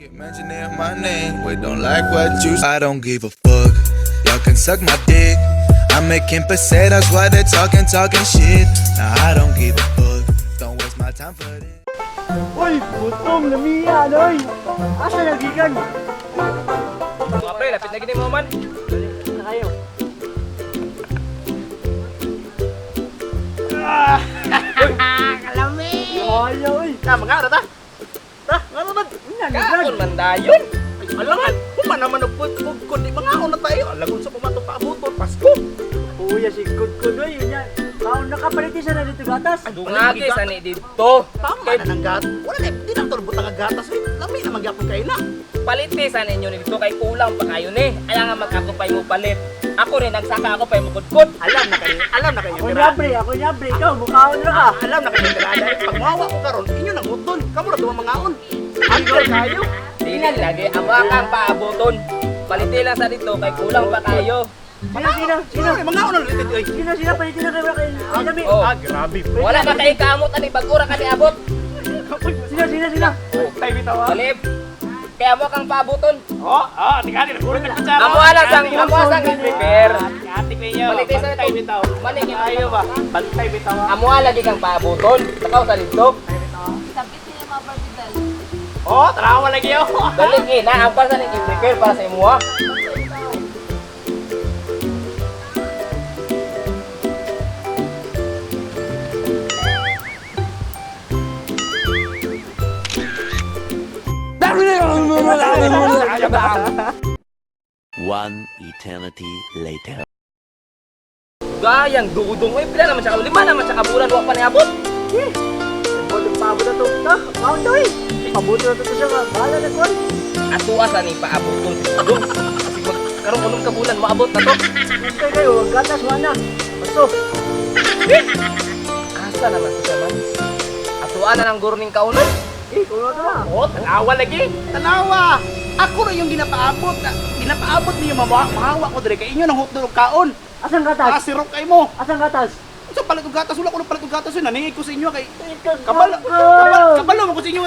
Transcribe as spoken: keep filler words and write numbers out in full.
Keep mentioning my name, we don't like what you. I don't give a fuck. Y'all can suck my dick. I'm making pesetas while they're talking, talking shit. Nah, I don't give a fuck. Don't waste my time for this. Uy, gutom na miya, noy. Asa nagikan? Mga pre, lapit na gini mo man. Na kayo. Kalami. Ayo, uy. Na, mga ta. Ta, ngano man? Kaon man dayon. Alangan, kuma naman og pud kundi mga na tayo. Alagon sa pumato pa abuton Pasko. Uya si Kudkud oy, nya. Kaon nakapalit sa na dito gatas. Dungagi sa ni dito. Tama na ng gat. Wala na, di na tolbot ang gatas oy. Lami na magyapon kay na. Paliti sa ninyo ni dito kay kulang pa kayo ni. Aya nga magkakupay mo palit. Ako rin nagsaka ako pay mo kudkod. Alam na kayo, alam na kayo. Ako nyabre, ako nyabre, ikaw mukhaon na ka. Alam na kayo tirada. Pag mawa ko karon, inyo nang uton. Kamo ra duwa mga on. Angkol kayo. Dili lagi amo kang paabuton. Paliti lang sa dito kay kulang pa kayo. Sino, sino, sino? Mga on ulit oy. Sino, sino, palitin na kayo kay Lami. Oh. Ah, grabe. Wala ka kay kamot ani bagura ka ni abot. Sino, sino, sino? Tay bitaw. Salib. Kaya mo kang paabuton. Oh, oh, tingnan ni nagulong na kutsara. Amo alang sang amo sang prepare. Atik ninyo. Paliti sa Tay dito. bitaw. Manig Ayo ba? Bantay bitaw. amo lagi kang paabuton. Takaw sa dito. Sabit niya mga barbidal. Oh, tarawa lagi yo. Dali na ang para sa ni prepare para sa imo ha. One eternity later. Gayang dudong eh pila naman siya lima naman siya kabulan wa pa niabot. Bolong paabot na to. Ta, maun daw eh. Pabuto na to siya nga. Bahala na kon. Ato asa ni paabuton si dudong. Kasi mag karon unong kabulan maabot na to. Hintay kayo, gatas mana. Paso. Asa naman to siya man. Atuan na ng gurning kaunon. Eh, kuno to na. Oh, tanawa lagi. Tanawa. Ako rin yung ginapaabot. na- Ginapaabot niyo mawa, mahawa ko dire kay inyo nang hutdog og kaon. Asang Ah, gatas? sirok kay mo. Asang gatas? Sa palit og gatas, wala ko ng palit og gatas yun. Naningig ko sa inyo kay Ikaw, kabalo. ko. Kabalo, kabalo mo ko sa inyo